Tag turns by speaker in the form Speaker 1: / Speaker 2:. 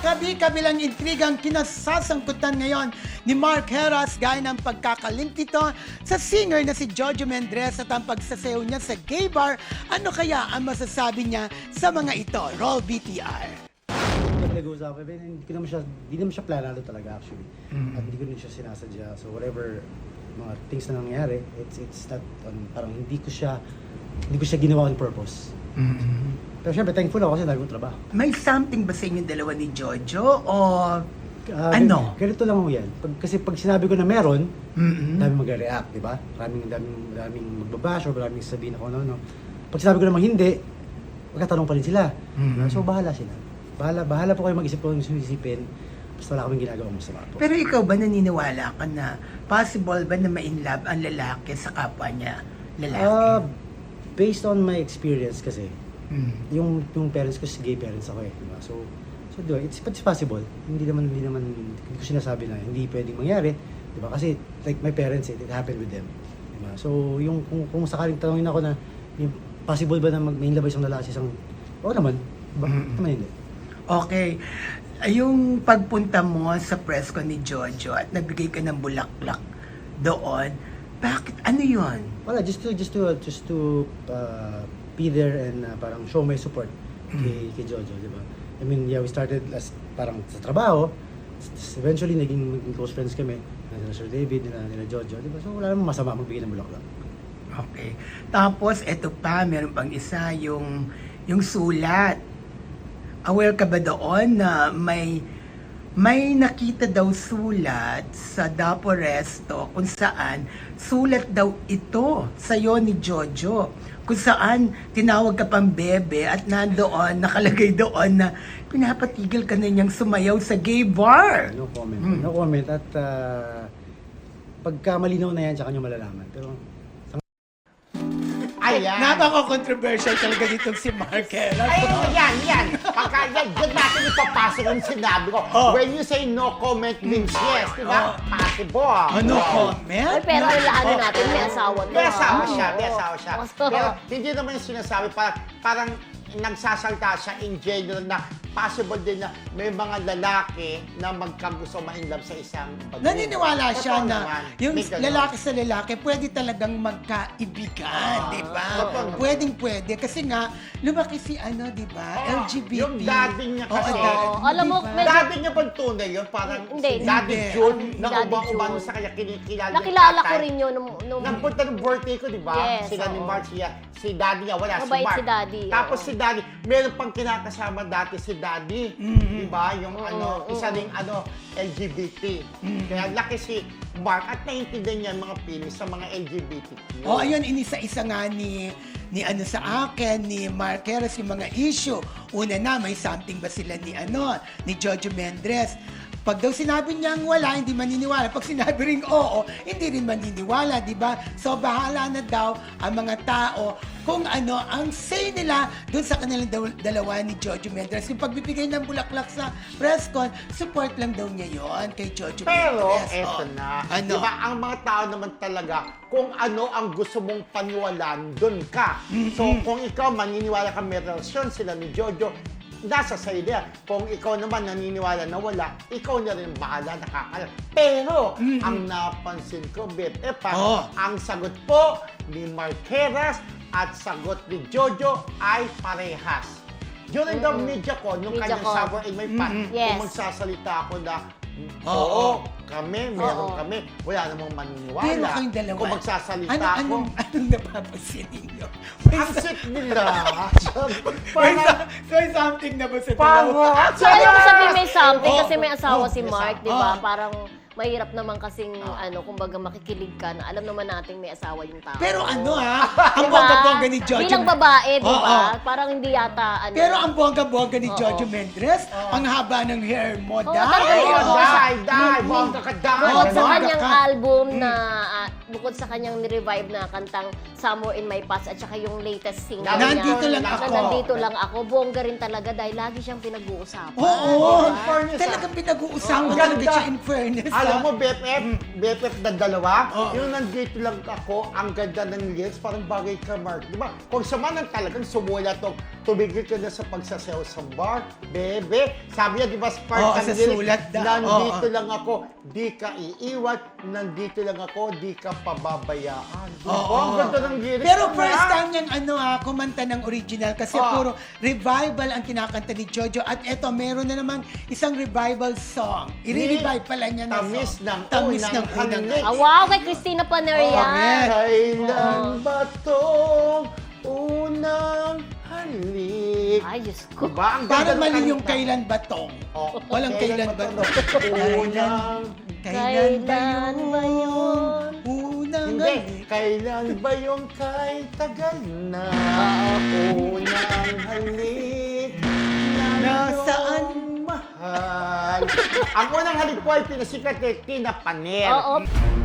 Speaker 1: kabi-kabilang intrigang kinasasangkutan ngayon ni Mark Heras gaya ng pagkakalink nito sa singer na si Jojo Mendrez at ang pagsasayaw niya sa gay bar. Ano kaya ang masasabi niya sa mga ito? Roll BTR.
Speaker 2: Nag-uusap kami, hindi naman siya planado talaga actually. At hindi ko rin siya sinasadya. So whatever mga things na nangyayari, it's not parang hindi ko siya ginawa on purpose. Pero syempre thankful ako kasi dahil ko trabaho.
Speaker 1: May something ba sa inyong dalawa ni Jojo o ano?
Speaker 2: Ganito lang ako yan. Kasi pag sinabi ko na meron, daming mag-react, di ba? Maraming magbabash or maraming sabihin ako ano. Pag sinabi ko namang hindi, magkatanong pa rin sila. So bahala sila. Bahala po kayo mag-isip kung gusto isipin. Basta wala kaming ginagawang masama po.
Speaker 1: Pero ikaw ba naniniwala ka na possible ba na ma-inlove ang lalaki sa kapwa niya lalaki?
Speaker 2: Based on my experience kasi, yung parents ko, gay parents ako eh. Diba? So it's possible. Hindi ko sinasabi na hindi pwedeng mangyari. Diba? Kasi like my parents, it happened with them. Diba? So yung kung sakaling tanongin ako na, yung possible ba na may labay isang lalaki isang, oo naman. Naman hindi.
Speaker 1: Okay. Yung pagpunta mo sa press ko ni Jojo at nagbigay ka ng bulaklak doon, bakit? Ano yun?
Speaker 2: Wala, just to be there and parang show my support kay Jojo, di ba? I mean, yeah, we started as parang sa trabaho. Eventually, naging close friends kami. Nila Sir David, nila Jojo, di ba? So, wala namang masama magbigay ng bulaklak.
Speaker 1: Okay. Tapos, eto pa, meron pang isa, yung sulat. Aware ka ba doon na may nakita daw sulat sa Dapo Resto kung saan sulat daw ito sa'yo ni Jojo, kung saan tinawag ka pang bebe at nandoon, nakalagay doon na pinapatigil ka na niyang sumayaw sa gay bar.
Speaker 2: No comment. No comment. At pagka malinaw na yan, tsaka nyo malalaman. Pero
Speaker 3: Ayan.
Speaker 1: Napaka-controversial talaga ditong si Mark Heras.
Speaker 3: Ay, yan. Pagka yan natin ipapasok yung sinabi ko. When you say no comment means yes, di ba? Possible.
Speaker 1: Ano comment?
Speaker 4: Ay, pero ano natin, may asawa to.
Speaker 3: May asawa
Speaker 4: ah.
Speaker 3: siya, may
Speaker 4: Oo.
Speaker 3: asawa siya.
Speaker 4: Oo.
Speaker 3: Pero hindi naman yung sinasabi, parang nagsasalta siya in general na possible din na may mga lalaki na magkagusto ma-inlove sa isang babae.
Speaker 1: Naniniwala siya
Speaker 3: Totoo
Speaker 1: na
Speaker 3: naman.
Speaker 1: yung
Speaker 3: May ganun.
Speaker 1: lalaki sa lalaki pwede talagang magkaibigan, di ba?
Speaker 3: Totoo.
Speaker 1: Pwede. Kasi nga, lumaki si di ba? LGBT.
Speaker 3: Yung daddy niya kasi.
Speaker 4: Oo. Alam mo,
Speaker 1: Diba?
Speaker 4: medyo-
Speaker 3: Daddy niya bang tunay yun? Parang
Speaker 4: Hindi.
Speaker 3: si Daddy
Speaker 1: Hindi.
Speaker 3: June, na
Speaker 4: Daddy
Speaker 3: ubang-ubang
Speaker 4: June.
Speaker 3: sa kanya, kinikilala yung
Speaker 4: Nakilala ko
Speaker 3: tatay.
Speaker 4: rin yun nung
Speaker 3: Nagpunta ng birthday ko, di ba?
Speaker 4: Yes,
Speaker 3: Sila ni
Speaker 4: oo.
Speaker 3: Mark, si Daddy niya, wala, si
Speaker 4: Mabait
Speaker 3: Mark.
Speaker 4: si Daddy,
Speaker 3: Tapos
Speaker 4: oo.
Speaker 3: si Daddy, meron pang kinakasama dati si Daddy. Di ba? Yung isa ring LGBT. Kaya laki si Mark at naiintindihan niya ang mga feelings sa mga LGBTQ.
Speaker 1: Oh, ayun, inisa-isa nga ni sa akin, ni Mark Heras, yung mga issue. Una na, may something ba sila ni Jojo Mendrez? Pag daw sinabi niyang wala, hindi maniniwala. Pag sinabi ring oo, hindi rin maniniwala, di ba? So, bahala na daw ang mga tao kung ano ang say nila dun sa kanilang dalawa ni Jojo Mendrez. Yung pagbibigay ng bulaklak sa press con, support lang daw niya yon kay Jojo
Speaker 3: Pero,
Speaker 1: Mendrez.
Speaker 3: eto
Speaker 1: Oh.
Speaker 3: na.
Speaker 1: Ano?
Speaker 3: Diba, ang mga tao naman talaga, kung ano ang gusto mong paniwalaan, dun ka. So, kung ikaw maniniwala ka may relasyon sila ni Jojo, nasa sa'yo yan. Kung ikaw naman naniniwala na wala, ikaw na rin bahala, nakakalam. Pero, ang napansin ko, BFF, ang sagot po ni Mark Heras at sagot ni Jojo ay parehas. During the media ko, nung
Speaker 4: Media
Speaker 3: kanyang
Speaker 4: ko.
Speaker 3: Sour in My Pants,
Speaker 4: Yes.
Speaker 3: kung magsasalita ako na,
Speaker 1: Oo.
Speaker 3: meron
Speaker 4: Oo.
Speaker 3: kami, wala namang maniniwala.
Speaker 1: Pero kayong dalawa,
Speaker 3: Kung magsasalita ako,
Speaker 1: anong napapansin ninyo?
Speaker 3: ang sick nila.
Speaker 1: May
Speaker 3: Parang,
Speaker 1: something na ba sa
Speaker 3: parang,
Speaker 1: dalawa?
Speaker 4: So, alam mo sabihin may something
Speaker 1: Oo.
Speaker 4: kasi may asawa si
Speaker 3: May
Speaker 4: Mark,
Speaker 3: asawa.
Speaker 4: di ba?
Speaker 1: Oo.
Speaker 4: Parang mahirap naman kasing, kumbaga makikilig ka na alam naman nating may asawa yung tao.
Speaker 1: Pero ang
Speaker 4: Diba?
Speaker 1: bongga-bongga ni Jojo.
Speaker 4: Bilang babae, di
Speaker 1: Oo.
Speaker 4: ba? Parang hindi yata,
Speaker 1: Pero ang bongga-bongga ni
Speaker 4: Oo.
Speaker 1: Jojo Mendrez, ang haba ng hair mo,
Speaker 4: Oo,
Speaker 1: dahil.
Speaker 4: talaga.
Speaker 3: die, bongga ka
Speaker 4: Bukod sa
Speaker 1: Bongga
Speaker 4: kanyang
Speaker 1: ka.
Speaker 4: album na, bukod sa kanyang ni-revive na kantang Somewhere in My Past at saka yung latest single
Speaker 1: Nandito
Speaker 4: niya,
Speaker 1: lang
Speaker 4: na
Speaker 1: ako.
Speaker 4: Nandito lang ako. Bongga rin talaga dahil lagi siyang pinag-uusapan.
Speaker 1: Oo,
Speaker 3: In fairness,
Speaker 1: talagang pinag-uusapan
Speaker 3: Ang
Speaker 1: talaga
Speaker 3: ganda.
Speaker 1: siya in fairness.
Speaker 3: alam mo, BFF na dalawa,
Speaker 1: Oo.
Speaker 3: yung nandito lang ako, ang ganda ng lyrics, parang bagay ka, Mark. Di ba? Kung sa manang talagang sumula to, tumigil ka na sa pagsasayaw sa bar, bebe. Sabi niya, di ba,
Speaker 1: Oo,
Speaker 3: part
Speaker 1: sa sulat daw.
Speaker 3: nandito
Speaker 1: Oo.
Speaker 3: lang ako, di ka iiwan, nandito lang ako, di ka pababayaan. Di ba?
Speaker 1: Oo.
Speaker 3: Ang ganda ng lyrics.
Speaker 1: Pero
Speaker 3: na.
Speaker 1: first time niyang kumanta ng original kasi
Speaker 3: Ah.
Speaker 1: puro revival ang kinakanta ni Jojo. At eto, meron na namang isang revival song. I-revive pala niya na
Speaker 3: Tamis
Speaker 1: song.
Speaker 3: ng
Speaker 1: Tamis
Speaker 3: unang
Speaker 1: ng unang
Speaker 3: halik.
Speaker 4: Ah, wow, kay Christina Paner yan.
Speaker 1: Correct.
Speaker 3: Kailan ba tong unang halik?
Speaker 4: Ay, Diyos ko.
Speaker 3: Diba? Ang ganda
Speaker 1: Parang
Speaker 3: ng
Speaker 1: mali yung
Speaker 3: kanta.
Speaker 1: kailan ba tong?
Speaker 3: Oh,
Speaker 1: Walang kailan ba
Speaker 3: to?
Speaker 1: to?
Speaker 3: Unang...
Speaker 1: Kailan ba
Speaker 4: Kailan ba yun?
Speaker 1: Unang
Speaker 3: Hindi.
Speaker 1: halik?
Speaker 3: Kailan ba yung kay tagal na? Unang halik na
Speaker 1: Nasaan?
Speaker 3: iyong mahal. Ang unang halik po ay pinasikat kay Tina Paner.
Speaker 4: Oo.